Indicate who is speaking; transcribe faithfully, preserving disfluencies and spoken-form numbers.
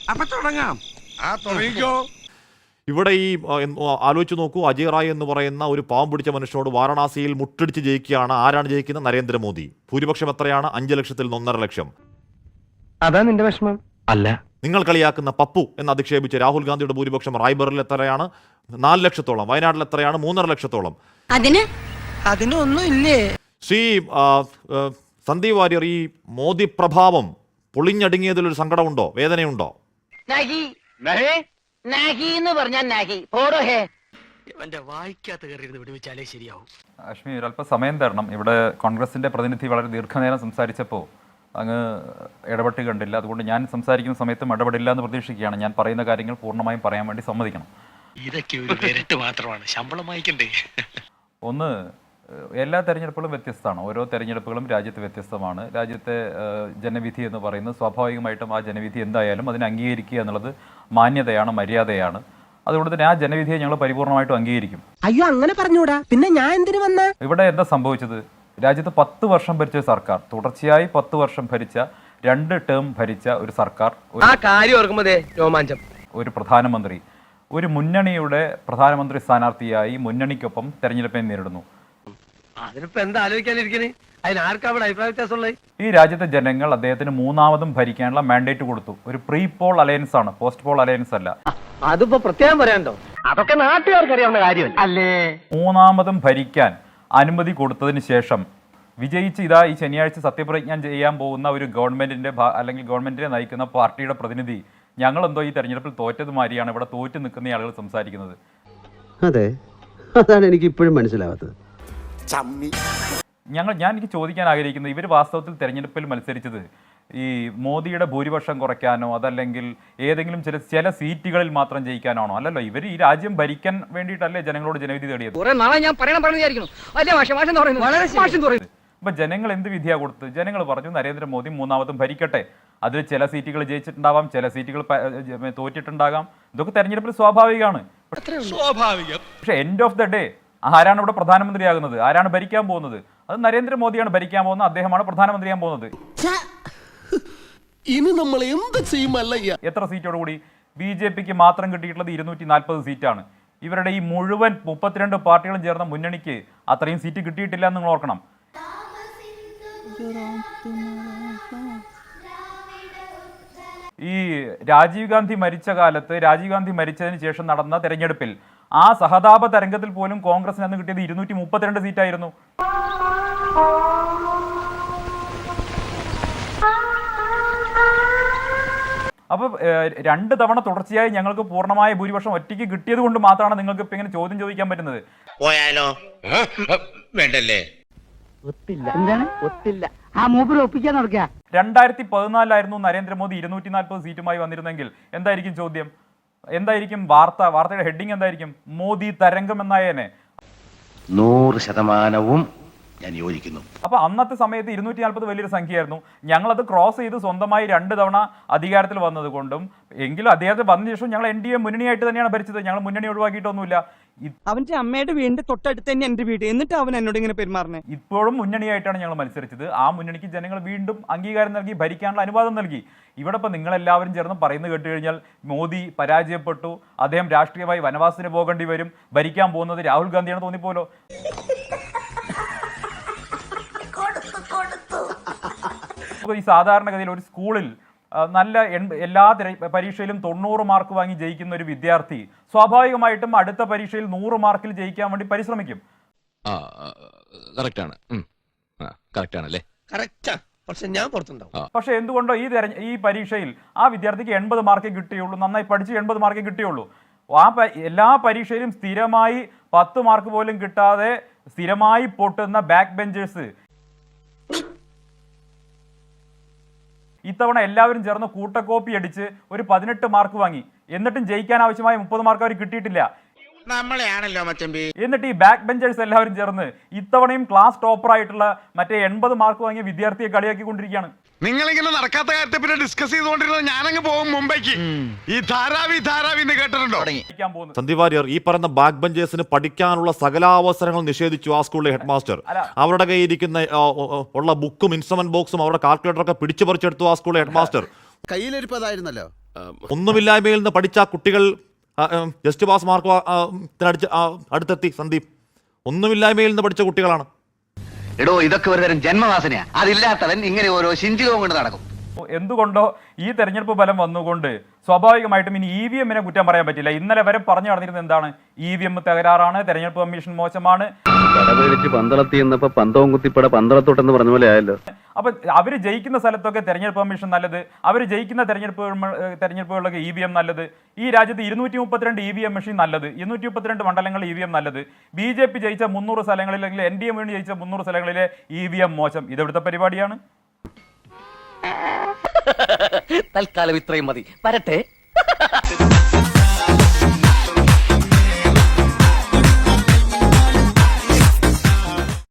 Speaker 1: അപ്പൊ തുടങ്ങാം. ആ തുടങ്ങിക്കോ.
Speaker 2: ഇവിടെ ഈ ആലോചിച്ച് നോക്കൂ, അജയ് റായ് എന്ന് പറയുന്ന ഒരു പാവം പിടിച്ച മനുഷ്യനോട് വാരണാസിയിൽ മുട്ടടിച്ച് ജയിക്കുകയാണ്. ആരാണ് ജയിക്കുന്നത്? നരേന്ദ്രമോദി. ഭൂരിപക്ഷം എത്രയാണ്? അഞ്ചു ലക്ഷത്തിൽ നിന്ന് ഒന്നര ലക്ഷം.
Speaker 3: അതാ നിന്റെ വിഷമം? അല്ല,
Speaker 2: നിങ്ങൾ കളിയാക്കുന്ന പപ്പു എന്ന് അധിക്ഷേപിച്ച് രാഹുൽ ഗാന്ധിയുടെ ഭൂരിപക്ഷം റായ്ബറിൽ എത്രയാണ്? നാല് ലക്ഷത്തോളം. വയനാട്ടിൽ എത്രയാണ്? മൂന്നര ലക്ഷത്തോളം.
Speaker 4: അതിന്
Speaker 3: അതിനൊന്നും ഇല്ലേ? ശ്രീ
Speaker 2: സന്ദീപ് വാര്യർ, ഈ മോദി പ്രഭാവം പൊളിഞ്ഞടുങ്ങിയതിലൊരു സങ്കടമുണ്ടോ, വേദനയുണ്ടോ?
Speaker 5: അശ്മി, ഒരല്പം സമയം തരണം. ഇവിടെ കോൺഗ്രസിന്റെ പ്രതിനിധി വളരെ ദീർഘനേരം സംസാരിച്ചപ്പോൾ അങ്ങ് ഇടപെട്ട് കണ്ടില്ല. അതുകൊണ്ട് ഞാൻ സംസാരിക്കുന്ന സമയത്തും ഇടപെടില്ല എന്ന് പ്രതീക്ഷിക്കുകയാണ്. ഞാൻ പറയുന്ന കാര്യങ്ങൾ പൂർണ്ണമായും പറയാൻ വേണ്ടി സമ്മതിക്കണം.
Speaker 3: ഇതൊക്കെ ഒരു വിരട്ട് മാത്രമാണ്, ശമ്പളം വാങ്ങിക്കണ്ടേ?
Speaker 5: ഒന്ന്, എല്ലാ തെരഞ്ഞെടുപ്പുകളും വ്യത്യസ്തമാണ്. ഓരോ തെരഞ്ഞെടുപ്പുകളും രാജ്യത്ത് വ്യത്യസ്തമാണ്. രാജ്യത്തെ ജനവിധി എന്ന് പറയുന്നത് സ്വാഭാവികമായിട്ടും ആ ജനവിധി എന്തായാലും അതിനെ അംഗീകരിക്കുക എന്നുള്ളത് മാന്യതയാണ്, മര്യാദയാണ്. അതുകൊണ്ട് തന്നെ ആ ജനവിധിയെ ഞങ്ങൾ പരിപൂർണമായിട്ടും അംഗീകരിക്കും.
Speaker 3: അയ്യോ, അങ്ങനെ പറഞ്ഞൂടാ. പിന്നെ ഞാൻ എന്തിനു വന്ന?
Speaker 5: ഇവിടെ എന്താ സംഭവിച്ചത്? രാജ്യത്ത് പത്ത് വർഷം ഭരിച്ച സർക്കാർ, തുടർച്ചയായി പത്ത് വർഷം ഭരിച്ച, രണ്ട് ടേം ഭരിച്ച ഒരു സർക്കാർ, ഒരു പ്രധാനമന്ത്രി, ഒരു മുന്നണിയുടെ പ്രധാനമന്ത്രി സ്ഥാനാർത്ഥിയായി മുന്നണിക്കൊപ്പം തെരഞ്ഞെടുപ്പിനെ നേരിടുന്നു. ഈ രാജ്യത്തെ ജനങ്ങൾ അദ്ദേഹത്തിന് മൂന്നാമതും ഭരിക്കാനുള്ള മാൻഡേറ്റ് കൊടുത്തു. ഒരു പ്രീ പോൾ അലയൻസ് ആണ്, പോസ്റ്റ് പോൾ അലയൻസ് അല്ല.
Speaker 3: അതിപ്പോ പ്രത്യേകം പറയാനുണ്ടോ? അതൊക്കെ നാട്ടുകാർക്ക് അറിയാവുന്ന കാര്യം അല്ലേ?
Speaker 5: മൂന്നാമതും ഭരിക്കാൻ അനുമതി കൊടുത്തതിന് ശേഷം വിജയിച്ച് ഇതാ ഈ ശനിയാഴ്ച സത്യപ്രതിജ്ഞ ചെയ്യാൻ പോകുന്ന ഒരു ഗവൺമെന്റിന്റെ അല്ലെങ്കിൽ ഗവൺമെന്റിനെ നയിക്കുന്ന പാർട്ടിയുടെ പ്രതിനിധി ഞങ്ങളെന്തോ ഈ തെരഞ്ഞെടുപ്പിൽ തോറ്റത് മാതിരിയാണ് ഇവിടെ തോറ്റു നിൽക്കുന്ന ആളുകൾ സംസാരിക്കുന്നത്.
Speaker 6: അതെ, അതാണ് എനിക്ക് ഇപ്പോഴും മനസ്സിലാവാത്തത്.
Speaker 5: ഞങ്ങൾ ഞാൻ എനിക്ക് ചോദിക്കാൻ ആഗ്രഹിക്കുന്നത്, ഇവർ വാസ്തവത്തിൽ തെരഞ്ഞെടുപ്പിൽ മത്സരിച്ചത് ഈ മോദിയുടെ ഭൂരിപക്ഷം കുറയ്ക്കാനോ അതല്ലെങ്കിൽ ഏതെങ്കിലും ചില ചില സീറ്റുകളിൽ മാത്രം ജയിക്കാനാണോ? അല്ലല്ലോ, ഇവർ ഈ രാജ്യം ഭരിക്കാൻ വേണ്ടിയിട്ടല്ലേ ജനങ്ങളോട് ജനവിധി തേടിയത്. അപ്പൊ ജനങ്ങൾ എന്ത് വിധിയാ കൊടുത്ത്? ജനങ്ങൾ പറഞ്ഞു നരേന്ദ്രമോദി മൂന്നാമതും ഭരിക്കട്ടെ. അതിൽ ചില സീറ്റുകൾ ജയിച്ചിട്ടുണ്ടാവാം, ചില സീറ്റുകൾ തോറ്റിട്ടുണ്ടാകാം. ഇതൊക്കെ തെരഞ്ഞെടുപ്പിൽ സ്വാഭാവികമാണ്. പക്ഷെ എൻഡ് ഓഫ് ദ ഡേ ആരാണ് ഇവിടെ പ്രധാനമന്ത്രിയാകുന്നത്? ആരാണ് ഭരിക്കാൻ പോകുന്നത്? അത് നരേന്ദ്രമോദിയാണ് ഭരിക്കാൻ പോകുന്നത്. അദ്ദേഹമാണ് പ്രധാനമന്ത്രിയാൻ പോകുന്നത്.
Speaker 1: ഇനി നമ്മൾ എന്ത് ചെയ്യുമല്ല?
Speaker 5: എത്ര സീറ്റോടുകൂടി? ബി ജെ പിക്ക് മാത്രം കിട്ടിയിട്ടുള്ളത് ഇരുന്നൂറ്റി നാൽപ്പത് സീറ്റാണ്. ഇവരുടെ ഈ മുഴുവൻ മുപ്പത്തിരണ്ട് പാർട്ടികളും ചേർന്ന മുന്നണിക്ക് അത്രയും സീറ്റ് കിട്ടിയിട്ടില്ല എന്ന് നിങ്ങൾ ഓർക്കണം. ഈ രാജീവ് ഗാന്ധി മരിച്ച കാലത്ത്, രാജീവ് ഗാന്ധി മരിച്ചതിന് ശേഷം നടന്ന തെരഞ്ഞെടുപ്പിൽ ആ സഹതാപ തരംഗത്തിൽ പോലും കോൺഗ്രസിന് അന്ന് കിട്ടിയത് ഇരുന്നൂറ്റി മുപ്പത്തിരണ്ട് സീറ്റായിരുന്നു. അപ്പൊ രണ്ട് തവണ തുടർച്ചയായി ഞങ്ങൾക്ക് പൂർണ്ണമായ ഭൂരിപക്ഷം ഒറ്റയ്ക്ക് കിട്ടിയത് കൊണ്ട് മാത്രമാണ് നിങ്ങൾക്ക് ഇപ്പൊ ഇങ്ങനെ ചോദ്യം ചോദിക്കാൻ പറ്റുന്നത്.
Speaker 7: പോയാലോ? വേണ്ടല്ലേ?
Speaker 5: രണ്ടായിരത്തി പതിനാലിലായിരുന്നു നരേന്ദ്രമോദി ഇരുന്നൂറ്റി നാൽപ്പത് സീറ്റുമായി വന്നിരുന്നെങ്കിൽ എന്തായിരിക്കും ചോദ്യം? എന്തായിരിക്കും വാർത്ത? വാർത്തയുടെ ഹെഡിങ് എന്തായിരിക്കും? മോദി തരംഗം എന്നായേനെ.
Speaker 7: നൂറ് ശതമാനവും ഞാൻ യോജിക്കുന്നു.
Speaker 5: അപ്പൊ അന്നത്തെ സമയത്ത് ഇരുന്നൂറ്റി നാൽപ്പത് വലിയൊരു സംഖ്യയായിരുന്നു. ഞങ്ങളത് ക്രോസ് ചെയ്ത് സ്വന്തമായി രണ്ട് തവണ അധികാരത്തിൽ വന്നത് കൊണ്ടും എങ്കിലും അദ്ദേഹത്തെ വന്ന ശേഷം ഞങ്ങൾ എൻ ഡി എ മുന്നണിയായിട്ട് തന്നെയാണ് ഭരിച്ചത്. ഞങ്ങൾ മുന്നണി ഒഴിവാക്കിയിട്ടൊന്നുമില്ല.
Speaker 3: അവന്റെ അമ്മയുടെ വീടിന്റെ തൊട്ടടുത്ത് തന്നെ എന്റെ വീട്, എന്നിട്ട് അവൻ എന്നോട് ഇങ്ങനെ പെരുമാറണേ.
Speaker 5: ഇപ്പോഴും മുന്നണിയായിട്ടാണ് ഞങ്ങൾ മത്സരിച്ചത്. ആ മുന്നണിക്ക് ജനങ്ങൾ വീണ്ടും അംഗീകാരം നൽകി, ഭരിക്കാനുള്ള അനുവാദം നൽകി. ഇവിടെ ഇപ്പൊ നിങ്ങളെല്ലാവരും ചേർന്ന് പറയുന്നത് കേട്ട് കഴിഞ്ഞാൽ മോദി പരാജയപ്പെട്ടു, അദ്ദേഹം രാഷ്ട്രീയമായി വനവാസത്തിന് പോകേണ്ടി വരും, ഭരിക്കാൻ പോകുന്നത് രാഹുൽ ഗാന്ധിയാണ് തോന്നിപ്പോലോ. ഈ സാധാരണഗതിയിൽ ഒരു സ്കൂളിൽ നല്ല എല്ലാ പരീക്ഷയിലും തൊണ്ണൂറ് മാർക്ക് വാങ്ങി ജയിക്കുന്ന ഒരു വിദ്യാർത്ഥി സ്വാഭാവികമായിട്ടും അടുത്ത പരീക്ഷയിൽ നൂറ് മാർക്കിൽ ജയിക്കാൻ വേണ്ടി പരിശ്രമിക്കും. പക്ഷെ എന്തുകൊണ്ടോ ഈ ഈ പരീക്ഷയിൽ ആ വിദ്യാർത്ഥിക്ക് എൺപത് മാർക്കേ കിട്ടിയുള്ളൂ, നന്നായി പഠിച്ച് എൺപത് മാർക്കേ കിട്ടിയുള്ളൂ. ആ എല്ലാ പരീക്ഷയിലും സ്ഥിരമായി പത്ത് മാർക്ക് പോലും കിട്ടാതെ സ്ഥിരമായി പൊട്ടുന്ന ബാക്ക് ബെഞ്ചേഴ്സ് ഇത്തവണ എല്ലാവരും ചേർന്ന് കൂട്ടക്കോപ്പി അടിച്ച് ഒരു പതിനെട്ട് മാർക്ക് വാങ്ങി. എന്നിട്ടും ജയിക്കാൻ ആവശ്യമായ മുപ്പത് മാർക്ക് അവർ കിട്ടിയിട്ടില്ല.
Speaker 7: നമ്മളെയാണല്ലോ മച്ചമ്പി.
Speaker 5: എന്നിട്ട് ഈ ബാക്ക് ബെഞ്ചേഴ്സ് എല്ലാവരും ചേർന്ന് ഇത്തവണയും ക്ലാസ് ടോപ്പർ ആയിട്ടുള്ള മറ്റേ എൺപത് മാർക്ക് വാങ്ങിയ വിദ്യാർത്ഥിയെ കളിയാക്കിക്കൊണ്ടിരിക്കുകയാണ്.
Speaker 1: നിങ്ങളിങ്ങനെ നടക്കാത്ത കാര്യത്തെ പിന്നെ ഡിസ്കസ് ചെയ്തുകൊണ്ടിരുന്നത് ഞാനങ്ങ് പോകും മുംബൈക്ക്. ഈ ധാരാവി ധാരാവി എന്ന് കേട്ടിട്ടുണ്ടോ?
Speaker 2: സന്ദീപ് വാര്യർ, ഈ പറയുന്ന ബാക്ക് ബെഞ്ചേഴ്സിന് പഠിക്കാനുള്ള സകലാവസരങ്ങൾ നിഷേധിച്ചു ആ സ്കൂളിലെ ഹെഡ് മാസ്റ്റർ. അവരുടെ കയ്യിരിക്കുന്ന ഉള്ള ബുക്കും ഇൻസ്ട്രുമെന്റ് ബോക്സും അവരുടെ കാൽക്കുലേറ്ററൊക്കെ പിടിച്ചു പറിച്ചെടുത്തു ആ സ്കൂളിലെ ഹെഡ് മാസ്റ്റർ.
Speaker 8: കയ്യിലിരിപ്പതായിരുന്നല്ലോ.
Speaker 2: ഒന്നുമില്ലായ്മയിൽ നിന്ന് പഠിച്ച കുട്ടികൾ ആ, ഉം, ജസ്റ്റ് പാസ് മാർക്ക് വാ- ആ, ത്തിനടിച്ച് ആ, അടുത്തെത്തി സന്ദീപ്. ഒന്നുമില്ലായ്മയിൽ നിന്ന് പഠിച്ച കുട്ടികളാണ്.
Speaker 4: എടോ ഇതൊക്കെ ഒരു തരം ജന്മവാസനയാ. അതില്ലാത്തവൻ ഇങ്ങനെ ഓരോ ശിഞ്ചികവും കൊണ്ട് നടക്കും.
Speaker 5: എന്തുകൊണ്ടോ ഈ തെരഞ്ഞെടുപ്പ് ഫലം വന്നുകൊണ്ട് സ്വാഭാവികമായിട്ടും ഇനി ഇ വി എമ്മിനെ കുറ്റം പറയാൻ പറ്റില്ല. ഇന്നലെ വരെ പറഞ്ഞു നടന്നിരുന്നത് എന്താണ്? ഇ വി എം തകരാറാണ്, തെരഞ്ഞെടുപ്പ് കമ്മീഷൻ മോശമാണ്.
Speaker 6: പടപേടിച്ച് പന്തളത്തി എന്നപ്പോ പന്തവും കുത്തിപ്പട പന്തളത്തോട്ടെന്ന് പറഞ്ഞ പോലെ ആയല്ലോ.
Speaker 5: അപ്പൊ അവർ ജയിക്കുന്ന സ്ഥലത്തൊക്കെ തെരഞ്ഞെടുപ്പ് കമ്മീഷൻ നല്ലത്, അവർ ജയിക്കുന്ന തെരഞ്ഞെടുപ്പ് തെരഞ്ഞെടുപ്പുകളിലൊക്കെ ഇ വി എം നല്ലത്, ഈ രാജ്യത്ത് ഇരുന്നൂറ്റി മുപ്പത്തിരണ്ട് ഇ വി എം മെഷീൻ നല്ലത്, ഇരുന്നൂറ്റി മുപ്പത്തിരണ്ട് മണ്ഡലങ്ങളിൽ ഇ വി എം നല്ലത്, ബി ജെ പി ജയിച്ച മുന്നൂറ് സ്ഥലങ്ങളിൽ അല്ലെങ്കിൽ എൻ ഡി എം വേണ്ടി ജയിച്ച മുന്നൂറ് സ്ഥലങ്ങളിലെ ഇ വി എം മോശം. ഇതെവിടുത്തെ പരിപാടിയാണ്?
Speaker 4: തൽക്കാലം ഇത്രയും മതി. വരട്ടെ.